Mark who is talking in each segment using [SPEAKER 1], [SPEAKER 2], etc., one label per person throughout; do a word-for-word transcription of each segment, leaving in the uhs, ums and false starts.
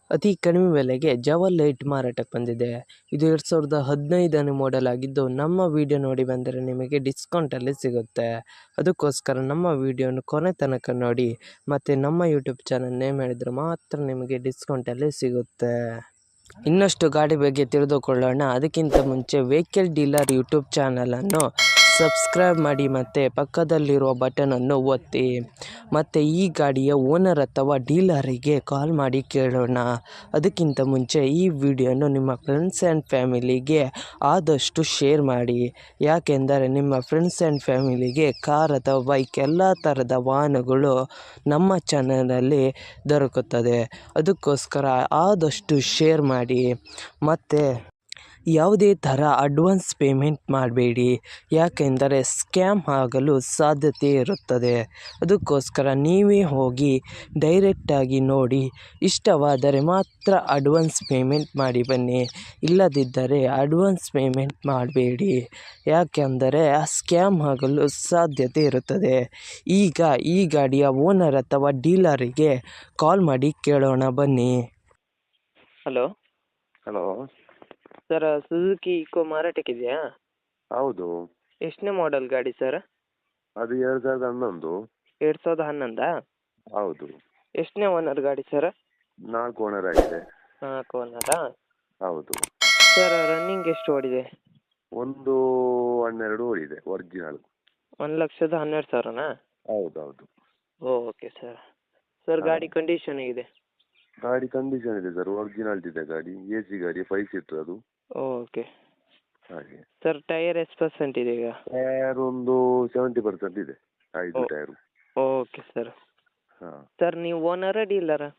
[SPEAKER 1] ಅತಿ ಕಡಿಮೆ ಬೆಲೆಗೆ ಜವಲ್ ಲೈಟ್ ಮಾರಾಟಕ್ಕೆ ಬಂದಿದೆ. ಇದು ಎರಡು ಸಾವಿರದ ಹದಿನೈದನೇ ಮಾಡೆಲ್ ಆಗಿದ್ದು, ನಮ್ಮ ವಿಡಿಯೋ ನೋಡಿ ಬಂದರೆ ನಿಮಗೆ ಡಿಸ್ಕೌಂಟಲ್ಲಿ ಸಿಗುತ್ತೆ. ಅದಕ್ಕೋಸ್ಕರ ನಮ್ಮ ವಿಡಿಯೋನ ಕೊನೆ ತನಕ ನೋಡಿ ಮತ್ತು ನಮ್ಮ ಯೂಟ್ಯೂಬ್ ಚಾನಲ್ ನೇಮ್ ಹೇಳಿದರೆ ಮಾತ್ರ ನಿಮಗೆ ಡಿಸ್ಕೌಂಟಲ್ಲಿ ಸಿಗುತ್ತೆ. ಇನ್ನಷ್ಟು ಗಾಡಿ ಬಗ್ಗೆ ತಿಳಿದುಕೊಳ್ಳೋಣ. ಅದಕ್ಕಿಂತ ಮುಂಚೆ ವೆಹಿಕಲ್ ಡೀಲರ್ ಯೂಟ್ಯೂಬ್ ಚಾನಲನ್ನು ಸಬ್ಸ್ಕ್ರೈಬ್ ಮಾಡಿ ಮತ್ತು ಪಕ್ಕದಲ್ಲಿರುವ ಬಟನನ್ನು ಒತ್ತಿ. ಮತ್ತು ಈ ಗಾಡಿಯ ಓನರ್ ಅಥವಾ ಡೀಲರಿಗೆ ಕಾಲ್ ಮಾಡಿ ಕೇಳೋಣ. ಅದಕ್ಕಿಂತ ಮುಂಚೆ ಈ ವಿಡಿಯೋನು ನಿಮ್ಮ ಫ್ರೆಂಡ್ಸ್ ಆ್ಯಂಡ್ ಫ್ಯಾಮಿಲಿಗೆ ಆದಷ್ಟು ಶೇರ್ ಮಾಡಿ. ಯಾಕೆಂದರೆ ನಿಮ್ಮ ಫ್ರೆಂಡ್ಸ್ ಆ್ಯಂಡ್ ಫ್ಯಾಮಿಲಿಗೆ ಕಾರ್ ಅಥವಾ ಬೈಕ್ ಎಲ್ಲ ಥರದ ವಾಹನಗಳು ನಮ್ಮ ಚಾನಲಲ್ಲಿ ದೊರಕುತ್ತದೆ. ಅದಕ್ಕೋಸ್ಕರ ಆದಷ್ಟು ಶೇರ್ ಮಾಡಿ. ಮತ್ತು ಯಾವುದೇ ಥರ ಅಡ್ವಾನ್ಸ್ ಪೇಮೆಂಟ್ ಮಾಡಬೇಡಿ, ಯಾಕೆಂದರೆ ಸ್ಕ್ಯಾಮ್ ಆಗಲು ಸಾಧ್ಯತೆ ಇರುತ್ತದೆ. ಅದಕ್ಕೋಸ್ಕರ ನೀವೇ ಹೋಗಿ ಡೈರೆಕ್ಟಾಗಿ ನೋಡಿ, ಇಷ್ಟವಾದರೆ ಮಾತ್ರ ಅಡ್ವಾನ್ಸ್ ಪೇಮೆಂಟ್ ಮಾಡಿ ಬನ್ನಿ. ಇಲ್ಲದಿದ್ದರೆ ಅಡ್ವಾನ್ಸ್ ಪೇಮೆಂಟ್ ಮಾಡಬೇಡಿ, ಯಾಕೆಂದರೆ ಆ ಸ್ಕ್ಯಾಮ್ ಆಗಲು ಸಾಧ್ಯತೆ ಇರುತ್ತದೆ. ಈಗ ಈ ಗಾಡಿಯ ಓನರ್ ಅಥವಾ ಡೀಲರಿಗೆ ಕಾಲ್ ಮಾಡಿ ಕೇಳೋಣ ಬನ್ನಿ. Hello
[SPEAKER 2] hello
[SPEAKER 1] sir, Suzuki Eeco ಮಾರಾಟಕ್ಕಿದೆಯಾ?
[SPEAKER 2] ಹೌದು.
[SPEAKER 1] ಎಷ್ಟನೇ ಮಾಡೆಲ್ ಗಾಡಿ ಸರ್?
[SPEAKER 2] ಅದು ಎರಡು ಸಾವಿರದ ಹನ್ನೊಂದು.
[SPEAKER 1] ಎರಡು ಸಾವಿರದ ಹನ್ನೊಂದಾ?
[SPEAKER 2] ಹೌದು.
[SPEAKER 1] ಎಷ್ಟನೇ ಓನರ್ ಗಾಡಿ ಸರ್?
[SPEAKER 2] ನಾಲ್ಕು ಓನರ್ ಆಗಿದೆ.
[SPEAKER 1] ನಾಲ್ಕು ಓನರಾ?
[SPEAKER 2] ಹೌದು.
[SPEAKER 1] ಸರ್ ರನ್ನಿಂಗ್ ಎಷ್ಟು ಓಡಿದೆ?
[SPEAKER 2] ಒಂದು ಹನ್ನೆರಡು ಓಡಿದೆ ಒರಿಜಿನಲ್.
[SPEAKER 1] ಒಂದು ಲಕ್ಷದ ಹನ್ನೆರಡು ಸಾವಿರನಾ?
[SPEAKER 2] ಹೌದು ಹೌದು.
[SPEAKER 1] Okay sir. ಸರ್ ಗಾಡಿ ಕಂಡೀಷನ್ ಹೇಗಿದೆ?
[SPEAKER 2] ಗಾಡಿ ಕಂಡೀಷನ್ ಇದೆ ಸರ್, ಒರಿಜಿನಲ್ ಇದೆ ಗಾಡಿ. ಎ ಸಿ ಗಾಡಿ, ಫೈವ್ ಸೀಟರ್ ಅದು.
[SPEAKER 1] ಓಕೆ
[SPEAKER 2] ಹಾಗೆ.
[SPEAKER 1] ಸರ್ ಟೈರ್ ಎಷ್ಟು ಪರ್ಸೆಂಟ್ ಇದೆ ಈಗ?
[SPEAKER 2] ಟೈರ್ ಒಂದು ಸೆವೆಂಟಿ ಪರ್ಸೆಂಟ್ ಇದೆ, ಐದು
[SPEAKER 1] ಓ-
[SPEAKER 2] ಟೈರು.
[SPEAKER 1] Okay sir.
[SPEAKER 2] ಹಾಂ.
[SPEAKER 1] ಸರ್ ನೀವು ಓನರಾ ಡೀಲರಾ?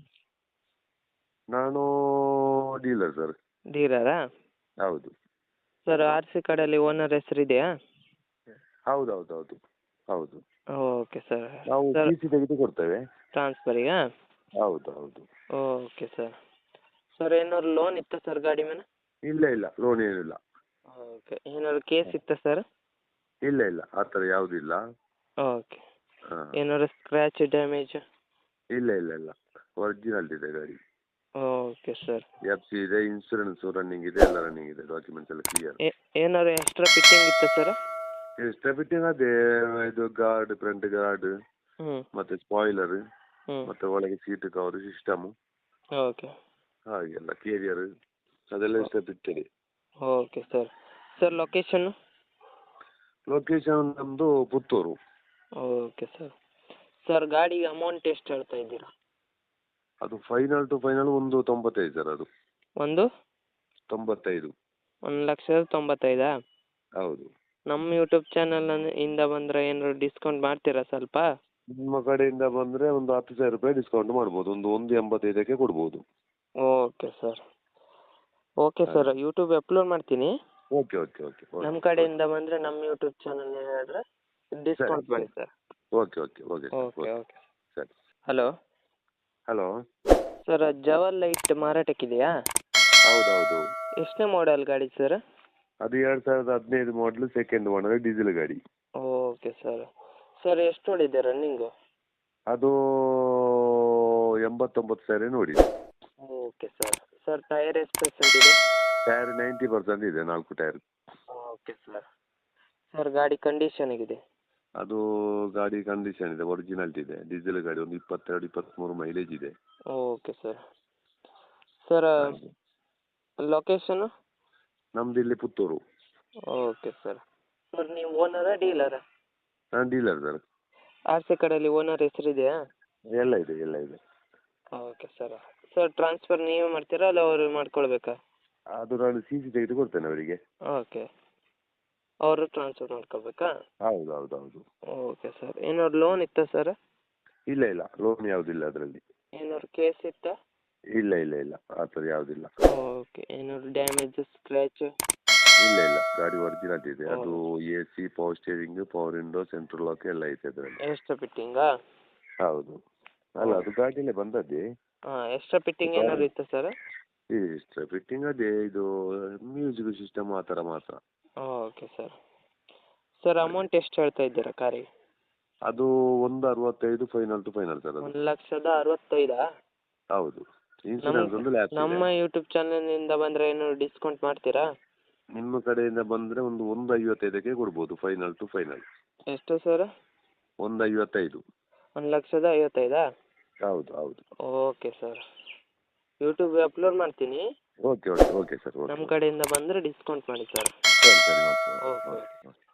[SPEAKER 2] ನಾನು ಡೀಲರ್ ಸರ್.
[SPEAKER 1] ಡೀಲರಾ?
[SPEAKER 2] ಹೌದು.
[SPEAKER 1] ಸರ್ ಆರ್ ಸಿ ಕಾರ್ಡಲ್ಲಿ ಓನರ್ ಹೆಸರು ಇದೆಯಾ?
[SPEAKER 2] ಹೌದು ಹೌದು ಹೌದು ಹೌದು.
[SPEAKER 1] Okay sir.
[SPEAKER 2] ನಾವು
[SPEAKER 1] ಸರ್
[SPEAKER 2] ಟಿ ಸಿ ತೆಗೆದು ಕೊಡ್ತೇವೆ.
[SPEAKER 1] ಟ್ರಾನ್ಸ್ಫರಿಗಾ?
[SPEAKER 2] ಹೌದು ಹೌದು.
[SPEAKER 1] Okay sir. ಸರ್ ಏನಾದ್ರು ಲೋನ್ ಇತ್ತಾ ಸರ್ ಗಾಡಿ ಮೇಲೆ?
[SPEAKER 2] ಇಲ್ಲ ಇಲ್ಲ, ಲೋನ್ ಏನಿಲ್ಲ.
[SPEAKER 1] ಓಕೆ. ಏನಾದ್ರು ಕೇಸ್ ಇತ್ತಾ ಸರ್?
[SPEAKER 2] ಇಲ್ಲ ಇಲ್ಲ, ಆ ಥರ ಯಾವುದಿಲ್ಲ.
[SPEAKER 1] ಓಕೆ.
[SPEAKER 2] ಹಾಂ.
[SPEAKER 1] ಏನಾದ್ರು ಸ್ಕ್ರ್ಯಾಚ್ ಡ್ಯಾಮೇಜ್?
[SPEAKER 2] ಇಲ್ಲ ಇಲ್ಲ ಇಲ್ಲ, ಒರಿಜಿನಲ್ ಇದೆ ಗಾಡಿ.
[SPEAKER 1] Okay sir.
[SPEAKER 2] ಎಫ್ ಸಿ ಇದೆ, ಇನ್ಸೂರೆನ್ಸ್ ರನ್ನಿಂಗ್ ಇದೆ, ಎಲ್ಲ ರನ್ನಿಂಗ್ ಇದೆ, ಡಾಕ್ಯುಮೆಂಟ್ಸ್ ಎಲ್ಲ ಕ್ಲಿಯರ್.
[SPEAKER 1] ಏನಾದ್ರು ಎಕ್ಸ್ಟ್ರಾ ಫಿಟ್ಟಿಂಗ್ ಇತ್ತಾ ಸರ್?
[SPEAKER 2] ಎಕ್ಸ್ಟ್ರಾ ಫಿಟ್ಟಿಂಗ್ ಅದೇ ಇದು ಗಾರ್ಡ್, ಫ್ರಂಟ್ ಗಾರ್ಡ್,
[SPEAKER 1] ಹ್ಞೂ
[SPEAKER 2] ಮತ್ತೆ ಸ್ಪಾಯ್ಲರ್,
[SPEAKER 1] ಹ್ಞೂ
[SPEAKER 2] ಮತ್ತೆ ಒಳಗೆ ಸೀಟ್ ಕವರ್ ಸಿಸ್ಟಮು,
[SPEAKER 1] ಓಕೆ.
[SPEAKER 2] ಹಾಗೆಲ್ಲ ಕೇರಿಯರ್ ಅದೆಲ್ಲ extra fitted.
[SPEAKER 1] Okay sir. Sir location?
[SPEAKER 2] Location ನಮ್ಮದು ಪುತ್ತೂರು.
[SPEAKER 1] Okay sir. ಸರ್ ಗಾಡಿಗೆ ಅಮೌಂಟ್ ಎಷ್ಟು ಹೇಳ್ತಾ ಇದ್ದೀರಾ?
[SPEAKER 2] ಅದು ಫೈನಲ್ ಟು ಫೈನಲ್ ಒಂದು ತೊಂಬತ್ತೈದು ಸರ್. ಅದು
[SPEAKER 1] ಒಂದು
[SPEAKER 2] ತೊಂಬತ್ತೈದು.
[SPEAKER 1] ಒಂದು ಲಕ್ಷದ ತೊಂಬತ್ತೈದಾ?
[SPEAKER 2] ಹೌದು.
[SPEAKER 1] ನಮ್ಮ ಯೂಟ್ಯೂಬ್ ಚಾನಲ್ ಇಂದ ಬಂದರೆ ಏನಾದ್ರು ಡಿಸ್ಕೌಂಟ್ ಮಾಡ್ತೀರಾ ಸ್ವಲ್ಪ?
[SPEAKER 2] ನಿಮ್ಮ ಕಡೆಯಿಂದ ಬಂದರೆ ಒಂದು ಹತ್ತು ಸಾವಿರ ರೂಪಾಯಿ ಡಿಸ್ಕೌಂಟ್ ಮಾಡ್ಬೋದು, ಒಂದು ಒಂದು ಎಂಬತ್ತೈದಕ್ಕೆ ಕೊಡ್ಬೋದು.
[SPEAKER 1] Okay sir. Okay sir, YouTube upload ಮಾಡ್ತೀನಿ.
[SPEAKER 2] ಓಕೆ ಓಕೆ ಓಕೆ
[SPEAKER 1] ನಮ್ಮ ಕಡೆಯಿಂದ ಬಂದರೆ ನಮ್ಮ ಯೂಟ್ಯೂಬ್ ಚಾನಲ್ ಹೇಳಿದ್ರೆ ಡಿಸ್ಕೌಂಟ್ ಮಾಡಿ sir.
[SPEAKER 2] Okay okay okay
[SPEAKER 1] okay okay
[SPEAKER 2] ಸರಿ.
[SPEAKER 1] ಹಲೋ
[SPEAKER 2] ಹಲೋ
[SPEAKER 1] ಸರ್, ಜವಲ್ ಲೈಟ್ ಮಾರಾಟಕ್ಕಿದೆಯಾ?
[SPEAKER 2] ಹೌದೌದು.
[SPEAKER 1] ಎಷ್ಟನೇ ಮಾಡೆಲ್ ಗಾಡಿ ಸರ್?
[SPEAKER 2] ಅದು ಎರಡು ಸಾವಿರದ ಹದಿನೈದು ಮಾಡಲು, ಸೆಕೆಂಡ್ ಓನರ್, ಡೀಸೆಲ್ ಗಾಡಿ.
[SPEAKER 1] Okay sir. ಸರ್ ಎಷ್ಟು ಓಡಿದೆ ರನ್ನಿಂಗು?
[SPEAKER 2] ಅದು ಎಂಬತ್ತೊಂಬತ್ತು ಸಾವಿರ ನೋಡಿ.
[SPEAKER 1] Okay sir. ಸರ್ ಟೈರ್ ಎಷ್ಟು ಪರ್ಸೆಂಟ್ ಇದೆ?
[SPEAKER 2] ಟೈರ್ ನೈಂಟಿ ಪರ್ಸೆಂಟ್ ಇದೆ, ನಾಲ್ಕು ಟೈರ್.
[SPEAKER 1] Okay sir. ಸರ್ ಗಾಡಿ ಕಂಡೀಷನ್ ಹೇಗಿದೆ?
[SPEAKER 2] ಅದು ಗಾಡಿ ಕಂಡೀಷನ್ ಇದೆ, ಒರಿಜಿನಲ್ ಇದೆ, ಡೀಸೆಲ್ ಗಾಡಿ, ಒಂದು ಇಪ್ಪತ್ತೆರಡು ಇಪ್ಪತ್ತ್ಮೂರು ಮೈಲೇಜ್ ಇದೆ.
[SPEAKER 1] Okay sir. Sir location?
[SPEAKER 2] ನಮ್ದು ಇಲ್ಲಿ ಪುತ್ತೂರು.
[SPEAKER 1] Okay sir. ಸರ್ ನೀವು ಓನರಾ ಡೀಲರಾ?
[SPEAKER 2] ನಾನು ಡೀಲರ್ ಸರ್.
[SPEAKER 1] ಆರ್ ಸಿ ಕಡೆಯಲ್ಲಿ ಓನರ್ ಹೆಸರಿದೆಯಾ?
[SPEAKER 2] ಎಲ್ಲ ಇದೆ ಎಲ್ಲ ಇದೆ.
[SPEAKER 1] Okay sir. ಸರ್ ಟ್ರಾನ್ಸ್ಫರ್ ನೀವೇ ಮಾಡ್ತೀರಾ ಅಲ್ಲ ಅವರು ಮಾಡ್ಕೊಳ್ಬೇಕಾ?
[SPEAKER 2] ಅದು ನಾನು ಸಿ ಸಿ ತೆಗೆದು ಕೊಡ್ತೇನೆ ಅವರಿಗೆ.
[SPEAKER 1] ಓಕೆ. ಅವರು ಟ್ರಾನ್ಸ್ಫರ್ ಮಾಡ್ಕೊಳ್ಬೇಕಾ?
[SPEAKER 2] ಹೌದು ಹೌದು ಹೌದು.
[SPEAKER 1] Okay sir. ಏನಾದ್ರು ಲೋನ್ ಇತ್ತಾ ಸರ್?
[SPEAKER 2] ಇಲ್ಲ ಇಲ್ಲ, ಲೋನ್ ಯಾವುದಿಲ್ಲ ಅದರಲ್ಲಿ.
[SPEAKER 1] ಏನಾದ್ರು ಕೇಸ್ ಇತ್ತಾ?
[SPEAKER 2] ಇಲ್ಲ ಇಲ್ಲ ಇಲ್ಲ, ಆ ಥರ ಯಾವುದಿಲ್ಲ.
[SPEAKER 1] ಓಕೆ. ಏನಾದ್ರು ಡ್ಯಾಮೇಜ್ ಸ್ಕ್ರ್ಯಾಚ್?
[SPEAKER 2] ಇಲ್ಲ ಇಲ್ಲ, ಗಾಡಿ ಒರಿಜಿನಲ್ ಇದೆ. ಅದು A C, power steering, power window, central lock ಎಲ್ಲ ಐತೆ ಅದರಲ್ಲಿ.
[SPEAKER 1] ಎಕ್ಸ್ಟ್ರಾ ಫಿಟ್ಟಿಂಗಾ?
[SPEAKER 2] ಹೌದು. ಅಲ್ಲ, ಅದು ಗಾಡಿಯಲ್ಲೇ ಬಂದದ್ದೇ.
[SPEAKER 1] ಹಾಂ, ಎಕ್ಸ್ಟ್ರಾ ಫಿಟ್ಟಿಂಗ್ ಏನಾದ್ರು ಇತ್ತಾ ಸರ್?
[SPEAKER 2] ಎಕ್ಸ್ಟ್ರಾ ಫಿಟ್ಟಿಂಗ್ ಅದೇ ಇದು ಮ್ಯೂಸಿಕ್ ಸಿಸ್ಟಮ್ ಆ ಥರ ಮಾತ್ರ.
[SPEAKER 1] Okay sir. ಸರ್ ಅಮೌಂಟ್ ಎಷ್ಟು ಹೇಳ್ತಾ ಇದ್ದೀರಾ ಕಾರಿಗೆ?
[SPEAKER 2] ಅದು ಒಂದು ಅರವತ್ತೈದು ಫೈನಲ್ ಟು ಫೈನಲ್ ಸರ್. ಅದು
[SPEAKER 1] ಒಂದು ಲಕ್ಷದ ಅರವತ್ತೈದಾ?
[SPEAKER 2] ಹೌದು. ಇನ್ಸೂರೆನ್ಸ್ ಒಂದು ಲ್ಯಾಪ್ಸ್ ಇದೆ.
[SPEAKER 1] ನಮ್ಮ ಯೂಟ್ಯೂಬ್ ಚಾನಲ್ನಿಂದ ಬಂದರೆ ಏನು ಡಿಸ್ಕೌಂಟ್ ಮಾಡ್ತೀರಾ?
[SPEAKER 2] ನಿಮ್ಮ ಕಡೆಯಿಂದ ಬಂದರೆ ಒಂದು ಒಂದು ಐವತ್ತೈದಕ್ಕೆ ಕೊಡ್ಬೋದು, ಫೈನಲ್ ಟು ಫೈನಲ್.
[SPEAKER 1] ಎಷ್ಟು ಸರ್?
[SPEAKER 2] ಒಂದು ಐವತ್ತೈದು.
[SPEAKER 1] ಒಂದು ಲಕ್ಷದ ಐವತ್ತೈದಾ?
[SPEAKER 2] ಹೌದು ಹೌದು.
[SPEAKER 1] ಓಕೆ ಸರ್, ಯೂಟ್ಯೂಬ್ಗೆ ಅಪ್ಲೋಡ್ ಮಾಡ್ತೀನಿ.
[SPEAKER 2] Okay okay okay sir. Okay
[SPEAKER 1] ನಮ್ಮ ಕಡೆಯಿಂದ ಬಂದರೆ ಡಿಸ್ಕೌಂಟ್ ಮಾಡಿ ಸರ್.
[SPEAKER 2] ಸರಿ ಸರಿ ಓಕೆ
[SPEAKER 1] ಓಕೆ
[SPEAKER 2] ಓಕೆ ಓಕೆ.